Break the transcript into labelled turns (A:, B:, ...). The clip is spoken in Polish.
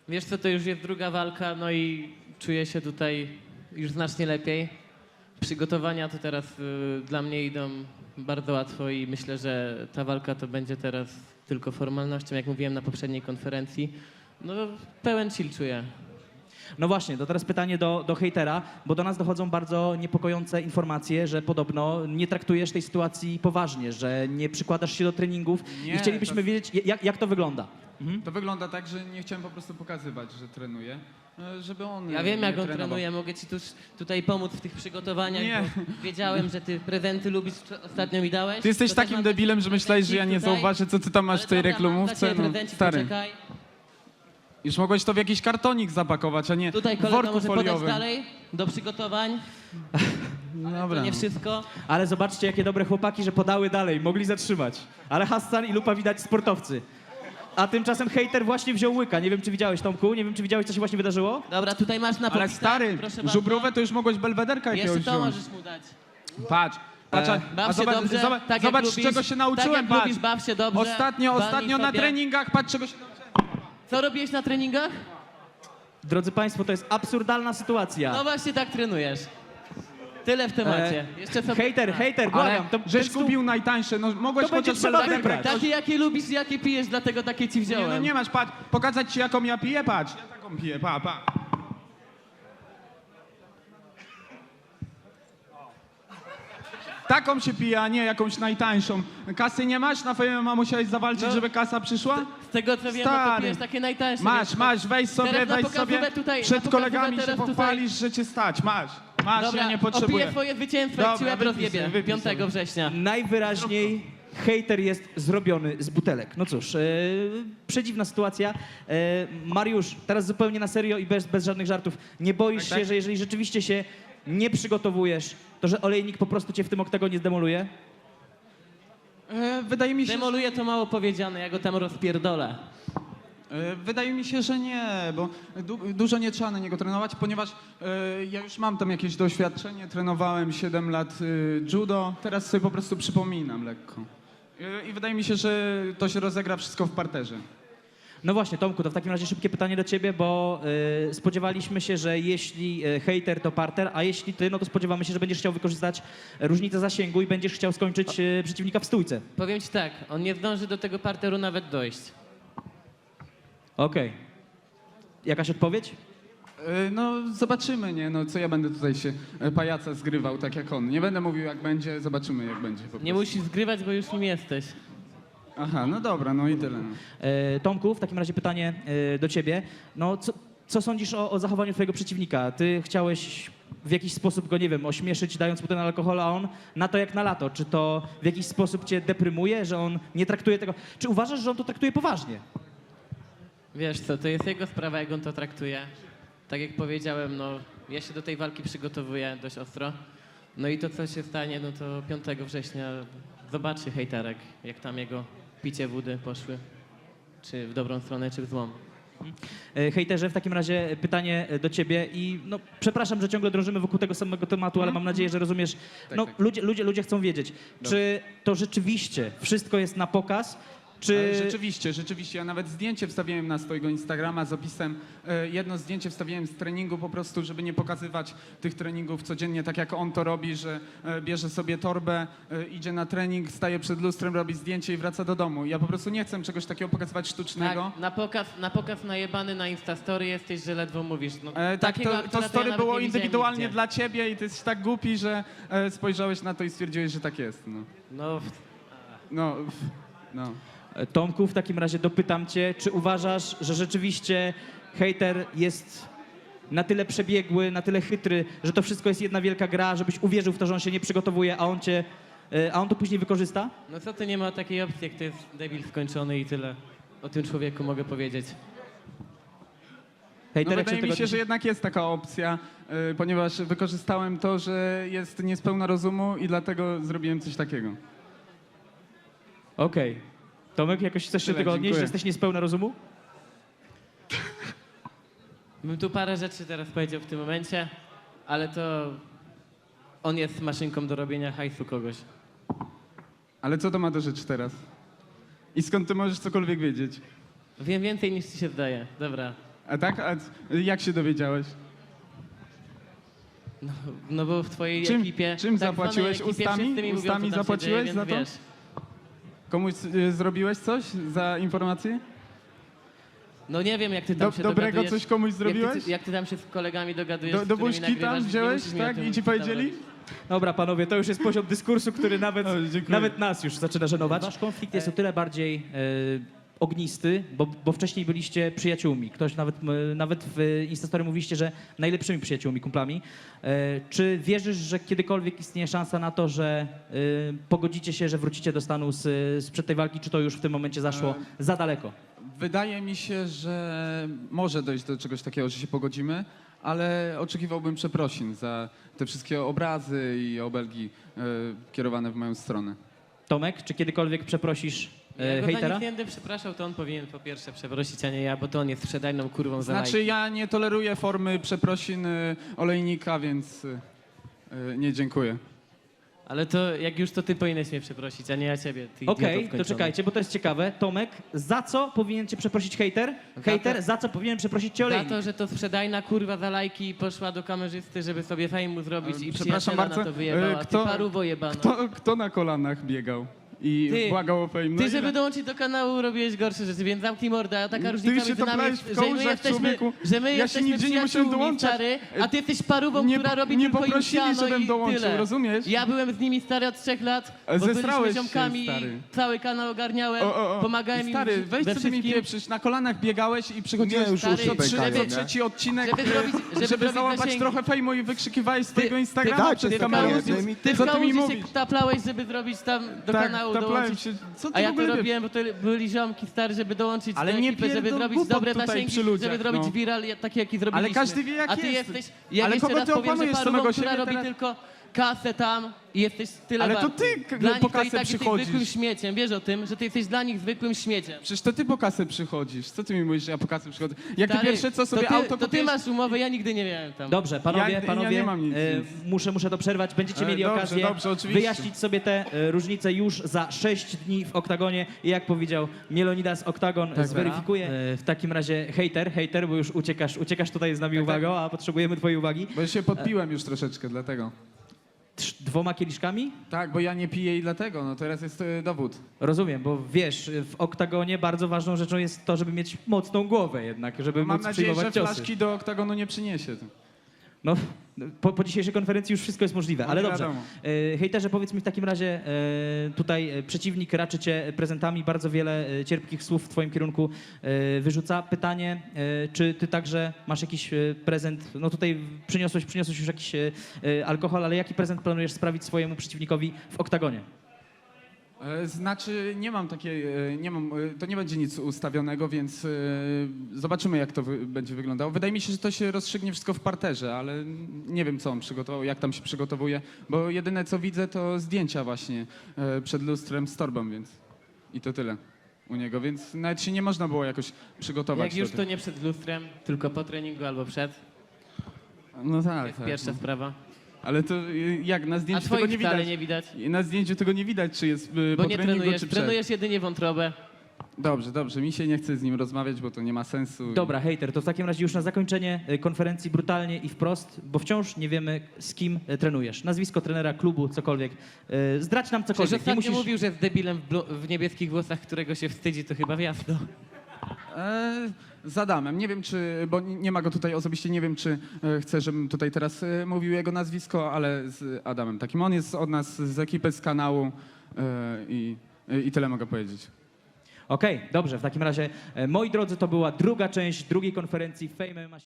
A: Wiesz co, to już jest druga walka, no i czuję się tutaj już znacznie lepiej. Przygotowania to teraz dla mnie idą bardzo łatwo i myślę, że ta walka to będzie teraz tylko formalnością, jak mówiłem na poprzedniej konferencji. No pełen chill czuję.
B: No właśnie, to teraz pytanie do hejtera, bo do nas dochodzą bardzo niepokojące informacje, że podobno nie traktujesz tej sytuacji poważnie, że nie przykładasz się do treningów
C: Nie,
B: i chcielibyśmy wiedzieć, jak to wygląda.
C: To wygląda tak, że nie chciałem po prostu pokazywać, że trenuję, żeby on
A: Ja wiem,
C: nie
A: jak on
C: trenował.
A: trenuje, mogę ci tutaj pomóc w tych przygotowaniach,
C: Nie.
A: bo wiedziałem, że ty prezenty lubisz, ostatnio mi dałeś.
C: Ty jesteś
A: To też
C: takim
A: mam
C: debilem,
A: taki
C: że myślałeś, że ja nie
A: prezencik tutaj.
C: zauważę, co ty tam masz
A: Ale
C: w tej
A: dobra,
C: reklamówce.
A: mam dla ciebie
C: No,
A: prezencik,
C: stary,
A: poczekaj.
C: już mogłeś to w jakiś kartonik zapakować, a nie
A: Tutaj
C: w
A: kolega
C: worku
A: może podać
C: foliowym.
A: dalej do przygotowań.
C: No
A: To
C: dobra.
A: nie wszystko.
B: Ale zobaczcie, jakie dobre chłopaki, że podały dalej, mogli zatrzymać. Ale Hassan i Lupa widać sportowcy. A tymczasem hejter właśnie wziął łyka. Nie wiem, czy widziałeś, Tomku? Nie wiem, czy widziałeś, co się właśnie wydarzyło?
A: Dobra, tutaj masz na
C: Ale
A: popisach,
C: stary,
A: proszę bardzo.
C: żubrówę to już mogłeś belwederka jakiegoś
A: Jeszcze to
C: wziąć.
A: możesz mu dać.
C: Patrz, patrz,
A: Baw
C: a
A: się
C: zobacz,
A: dobrze,
C: zobacz,
A: tak jak
C: zobacz
A: lubisz,
C: czego się nauczyłem,
A: tak jak
C: patrz.
A: lubisz, baw się dobrze.
C: Ostatnio
A: walnij
C: na
A: sobie.
C: treningach, patrz czego się nauczyłem.
A: Co robiłeś na treningach?
B: Drodzy Państwo, to jest absurdalna sytuacja.
A: No właśnie tak trenujesz. Tyle w temacie. Jeszcze sobie...
B: Hejter,
C: Ale
B: błagam.
C: żeś
B: ten stół-
C: kupił najtańsze, no mogłeś
B: To będzie
C: chociaż
B: trzeba
C: belwederka
B: wybrać.
A: Takie jakie lubisz i jakie pijesz, dlatego takie ci
C: Nie,
A: wziąłem.
C: no nie masz, patrz, pokazać ci jaką ja piję, patrz. Ja taką piję, pa. Taką się pije, a nie jakąś najtańszą. Kasy nie masz? Na FMA musiałeś zawalczyć,
A: No.
C: żeby kasa przyszła?
A: Z tego co wiem, no to
C: Stary.
A: pijesz takie najtańsze.
C: Masz,
A: wiesz,
C: masz, weź sobie,
A: Teraz na
C: weź sobie.
A: pokazówę tutaj, na
C: Przed
A: pokazówę
C: kolegami się
A: teraz tutaj.
C: pochwalisz, że cię stać. Masz,
A: Dobra,
C: ja nie
A: opiję
C: potrzebuję.
A: twoje zwycięstwo,
C: Dobra,
A: jak ci łeb
C: wypij
A: rozjebie
C: sobie, wypij
A: 5
C: sobie.
A: września.
B: Najwyraźniej hejter jest zrobiony z butelek. No cóż, przedziwna sytuacja. Mariusz, teraz zupełnie na serio i bez żadnych żartów. Nie boisz
C: Tak.
B: się, że jeżeli rzeczywiście się nie przygotowujesz, to że olejnik po prostu cię w tym oktagonie zdemoluje?
C: Wydaje mi się,
A: Demoluje to mało powiedziane, ja go tam rozpierdolę.
C: Wydaje mi się, że nie, bo dużo nie trzeba na niego trenować, ponieważ ja już mam tam jakieś doświadczenie, trenowałem 7 lat judo, teraz sobie po prostu przypominam lekko. I wydaje mi się, że to się rozegra wszystko w parterze.
B: No właśnie, Tomku, to w takim razie szybkie pytanie do ciebie, bo spodziewaliśmy się, że jeśli hejter to parter, a jeśli ty, no to spodziewamy się, że będziesz chciał wykorzystać różnicę zasięgu i będziesz chciał skończyć przeciwnika w stójce.
A: Powiem ci tak, on nie zdąży do tego parteru nawet dojść.
B: Okej. Jakaś odpowiedź?
C: No zobaczymy, nie? No co ja będę tutaj się pajaca zgrywał tak jak on. Nie będę mówił jak będzie, zobaczymy jak będzie po prostu.
A: Nie musisz zgrywać, bo już nim jesteś.
C: Aha, no dobra, no i tyle. No.
B: Tomku, w takim razie pytanie do ciebie. No, co sądzisz o zachowaniu twojego przeciwnika? Ty chciałeś w jakiś sposób go, nie wiem, ośmieszyć, dając mu ten alkohol, a on na to jak na lato. Czy to w jakiś sposób cię deprymuje, że on nie traktuje tego... Czy uważasz, że on to traktuje poważnie?
A: Wiesz co, to jest jego sprawa, jak on to traktuje. Tak jak powiedziałem, no ja się do tej walki przygotowuję dość ostro. No i to, co się stanie, no to 5 września zobaczy hejterek, jak tam jego picie wody poszły. Czy w dobrą stronę, czy w złą.
B: Hejterze, w takim razie pytanie do ciebie i no, przepraszam, że ciągle drążymy wokół tego samego tematu, ale mam nadzieję, że rozumiesz. No,
C: tak.
B: ludzie chcą wiedzieć, czy to rzeczywiście wszystko jest na pokaz, czy...
C: Rzeczywiście. Ja nawet zdjęcie wstawiłem na swojego Instagrama z opisem. Jedno zdjęcie wstawiłem z treningu po prostu, żeby nie pokazywać tych treningów codziennie, tak jak on to robi, że bierze sobie torbę, idzie na trening, staje przed lustrem, robi zdjęcie i wraca do domu. Ja po prostu nie chcę czegoś takiego pokazywać sztucznego.
A: Tak, na pokaz najebany na Instastory jesteś, że ledwo mówisz. No,
C: Tak,
A: takiego
C: to
A: aktora ja
C: story
A: nawet
C: było
A: nie widziałem
C: indywidualnie
A: nigdzie.
C: dla ciebie i ty jesteś tak głupi, że spojrzałeś na to i stwierdziłeś, że tak jest.
A: No,
C: No.
B: Tomku, w takim razie dopytam cię, czy uważasz, że rzeczywiście hejter jest na tyle przebiegły, na tyle chytry, że to wszystko jest jedna wielka gra, żebyś uwierzył w to, że on się nie przygotowuje, a on to później wykorzysta?
A: no co ty, nie ma takiej opcji, jak to jest debil skończony i tyle. O tym człowieku mogę powiedzieć.
C: No
B: Hejterek
C: wydaje mi się, że jednak jest taka opcja, ponieważ wykorzystałem to, że jest niespełna rozumu i dlatego zrobiłem coś takiego.
B: Okej. Tomek, jakoś chcesz się
C: Tyle,
B: tego odnieść,
C: dziękuję.
B: że jesteś niespełna rozumu?
A: Bym tu parę rzeczy teraz powiedział w tym momencie, ale to on jest maszynką do robienia hajsu kogoś.
C: Ale co to ma do rzeczy teraz? I skąd ty możesz cokolwiek wiedzieć?
A: Wiem więcej niż ci się zdaje. Dobra.
C: A tak? A jak się dowiedziałeś?
A: No bo w twojej
C: Czym-
A: ekipie...
C: czym
A: tak
C: zapłaciłeś?
A: zwanej ekipie
C: Ustami?
A: wszyscy mi mówią, co
C: Ustami
A: tam się
C: zapłaciłeś
A: dzieje,
C: za
A: więc
C: to?
A: Wiesz.
C: Komuś zrobiłeś coś za informację?
A: No nie wiem, jak ty tam się
C: Dobrego
A: dogadujesz.
C: coś komuś zrobiłeś?
A: Jak ty tam się z kolegami dogadujesz, z
C: Do
A: którymi
C: buźki
A: nagrywasz,
C: tam
A: nie
C: wziąłeś,
A: musisz mi o
C: tak?
A: tym
C: I ci
A: tam
C: powiedzieli?
A: mówić.
B: Dobra, panowie, to już jest poziom dyskursu, który nawet,
C: O, dziękuję.
B: nawet nas już zaczyna żenować. Wasz konflikt jest o tyle bardziej ognisty, bo wcześniej byliście przyjaciółmi. Ktoś nawet w Instastory mówiliście, że najlepszymi przyjaciółmi, kumplami. Czy wierzysz, że kiedykolwiek istnieje szansa na to, że pogodzicie się, że wrócicie do stanu sprzed tej walki, czy to już w tym momencie zaszło za daleko?
C: Wydaje mi się, że może dojść do czegoś takiego, że się pogodzimy, ale oczekiwałbym przeprosin za te wszystkie obrazy i obelgi kierowane w moją stronę.
B: Tomek, czy kiedykolwiek przeprosisz
A: Ja go za
B: hejtera?
A: nic nie będę przepraszał, to on powinien po pierwsze przeprosić, a nie ja, bo to on jest sprzedajną kurwą za
C: Znaczy
A: lajki.
C: ja nie toleruję formy przeprosin olejnika, więc nie dziękuję.
A: Ale to jak już to ty powinieneś mnie przeprosić, a nie ja ciebie. Ty idioto
B: Okej, to
A: wkończony.
B: czekajcie, bo to jest ciekawe. Tomek, za co powinien cię przeprosić hejter? Hejter, za co powinien przeprosić cię
A: Za
B: olejnik?
A: to, że to sprzedajna kurwa za lajki poszła do kamerzysty, żeby sobie fejmu zrobić i
C: Przepraszam
A: przyjaciela
C: bardzo,
A: na to wyjebała.
C: kto-
A: Ty paruwo jebana.
C: Kto na kolanach biegał i
A: Ty.
C: błagał o fame? No
A: Ty,
C: ile-
A: żeby dołączyć do kanału, robiłeś gorsze rzeczy, więc zamknij mordę, a taka
C: Ty
A: różnica
C: się
A: między nami
C: toplałeś
A: jest,
C: w
A: że my
C: kołżach,
A: jesteśmy,
C: człowieku.
A: że my
C: Ja się
A: jesteśmy
C: nigdzie nie musiałem
A: przyjaciółmi,
C: dołączać.
A: stary, a ty jesteś parówą,
C: Nie
A: która
C: po-
A: robi
C: nie
A: tylko
C: poprosili,
A: Juliano
C: żebym
A: i
C: dołączył,
A: tyle.
C: rozumiesz?
A: Ja byłem z nimi, stary, od 3 lat, bo byliśmy
C: Zesrałeś się,
A: ziomkami
C: stary.
A: i cały kanał ogarniałem, pomagałem
C: Stary,
A: im
C: weź
A: we
C: co ty mi
A: wszystkim.
C: pieprzysz, na kolanach biegałeś i przychodziłeś
D: Nie, już
A: stary,
D: uszy pękają, nie?
C: trzeci odcinek,
A: Żeby zrobić- żeby zrobić
C: załapać
A: zasięgi.
C: trochę fejmu i wykrzykiwałeś swojego Instagrama
D: tak,
C: przez
D: ty w
C: kamerę.
D: kałuży-
A: Ty w
C: Co ty mi
A: kałuży się
C: mówisz?
A: taplałeś, żeby zrobić tam do
C: Tak,
A: kanału
C: taplałem
A: dołączyć.
C: się. Co ty
A: A
C: w
A: ja to
C: ogóle wiesz?
A: robiłem, bo to byli ziomki stary, żeby dołączyć
C: Ale
A: do
C: nie
A: ekipy, żeby
C: pierdol
A: zrobić
C: głupot
A: dobre
C: tutaj
A: zasięgi,
C: przy ludziach,
A: żeby zrobić
C: no.
A: viral taki, jaki zrobiliśmy.
C: Ale każdy wie, jak
A: A ty
C: jest.
A: jesteś, jak
C: Ale
A: jeszcze
C: kogo
A: raz
C: ty
A: powiem, że
C: okłamujesz,
A: parówą,
C: samego
A: która
C: siebie
A: robi
C: teraz?
A: tylko kasę tam i jesteś tyle
C: Ale to
A: warty.
C: ty
A: Dla
C: po
A: nich to i
C: kasę
A: tak jesteś
C: przychodzisz.
A: zwykłym śmieciem, wiesz o tym, że ty jesteś dla nich zwykłym śmieciem.
C: Przecież to ty po kasę przychodzisz. Co ty mi mówisz, że ja po kasę przychodzę? Jak ty
A: Stary,
C: pierwsze co sobie
A: to
C: auto
A: to ty
C: kupiłeś?
A: masz umowę, ja nigdy nie miałem tam.
B: Dobrze, panowie,
C: Ja nie mam nic,
B: muszę to przerwać. Będziecie mieli
C: Dobrze,
B: okazję
C: dobrze, oczywiście.
B: wyjaśnić sobie te różnice już za 6 dni w Oktagonie. I jak powiedział Mielonidas, Oktagon zweryfikuje. W takim razie hejter, bo już uciekasz tutaj z nami uwagą, a potrzebujemy twojej uwagi.
C: Bo ja się podpiłem już troszeczkę, dlatego.
B: 2 kieliszkami?
C: Tak, bo ja nie piję i dlatego, no teraz jest dowód.
B: Rozumiem, bo wiesz, w Oktagonie bardzo ważną rzeczą jest to, żeby mieć mocną głowę jednak, żeby
C: Mam
B: móc
C: nadzieję, że
B: przyjmować ciosy.
C: flaszki do oktagonu nie przyniesie.
B: No, po dzisiejszej konferencji już wszystko jest możliwe, ale
C: No,
B: dobrze.
C: wiadomo.
B: Hejterze, powiedz mi w takim razie, tutaj przeciwnik raczy cię prezentami, bardzo wiele cierpkich słów w twoim kierunku wyrzuca. Pytanie, czy ty także masz jakiś prezent, no tutaj przyniosłeś już jakiś alkohol, ale jaki prezent planujesz sprawić swojemu przeciwnikowi w Oktagonie?
C: Znaczy, nie mam takiej, to nie będzie nic ustawionego, więc zobaczymy, jak to będzie wyglądało. Wydaje mi się, że to się rozstrzygnie wszystko w parterze, ale nie wiem, co on przygotował, jak tam się przygotowuje, bo jedyne, co widzę, to zdjęcia właśnie przed lustrem z torbą, więc i to tyle u niego, więc nawet się nie można było jakoś przygotować.
A: Jak już
C: do
A: to nie przed lustrem, tylko po treningu albo przed.
C: No
A: To
C: tak,
A: jest
C: tak.
A: pierwsza
C: No.
A: sprawa.
C: Ale to jak na
A: A
C: zdjęciu tego
A: twoich
C: nie
A: wcale
C: widać.
A: nie widać,
C: Na zdjęciu tego nie widać, czy jest
A: bo
C: po
A: nie
C: treningu,
A: trenujesz.
C: czy przed.
A: Trenujesz jedynie wątrobę.
C: Dobrze, mi się nie chce z nim rozmawiać, bo to nie ma sensu.
B: Dobra, hejter, to w takim razie już na zakończenie konferencji brutalnie i wprost, bo wciąż nie wiemy, z kim trenujesz. Nazwisko trenera, klubu, cokolwiek. Zdradź nam
A: Przecież
B: cokolwiek.
A: ostatnio mówił, że z debilem w niebieskich włosach, którego się wstydzi, to chyba jasno.
C: Z Adamem. Nie wiem, czy, bo nie ma go tutaj osobiście, nie wiem, czy chce, żebym tutaj teraz mówił jego nazwisko, ale z Adamem takim. On jest od nas z ekipy, z kanału i tyle mogę powiedzieć.
B: Okej, dobrze, w takim razie, moi drodzy, to była druga część drugiej konferencji Fame MMA.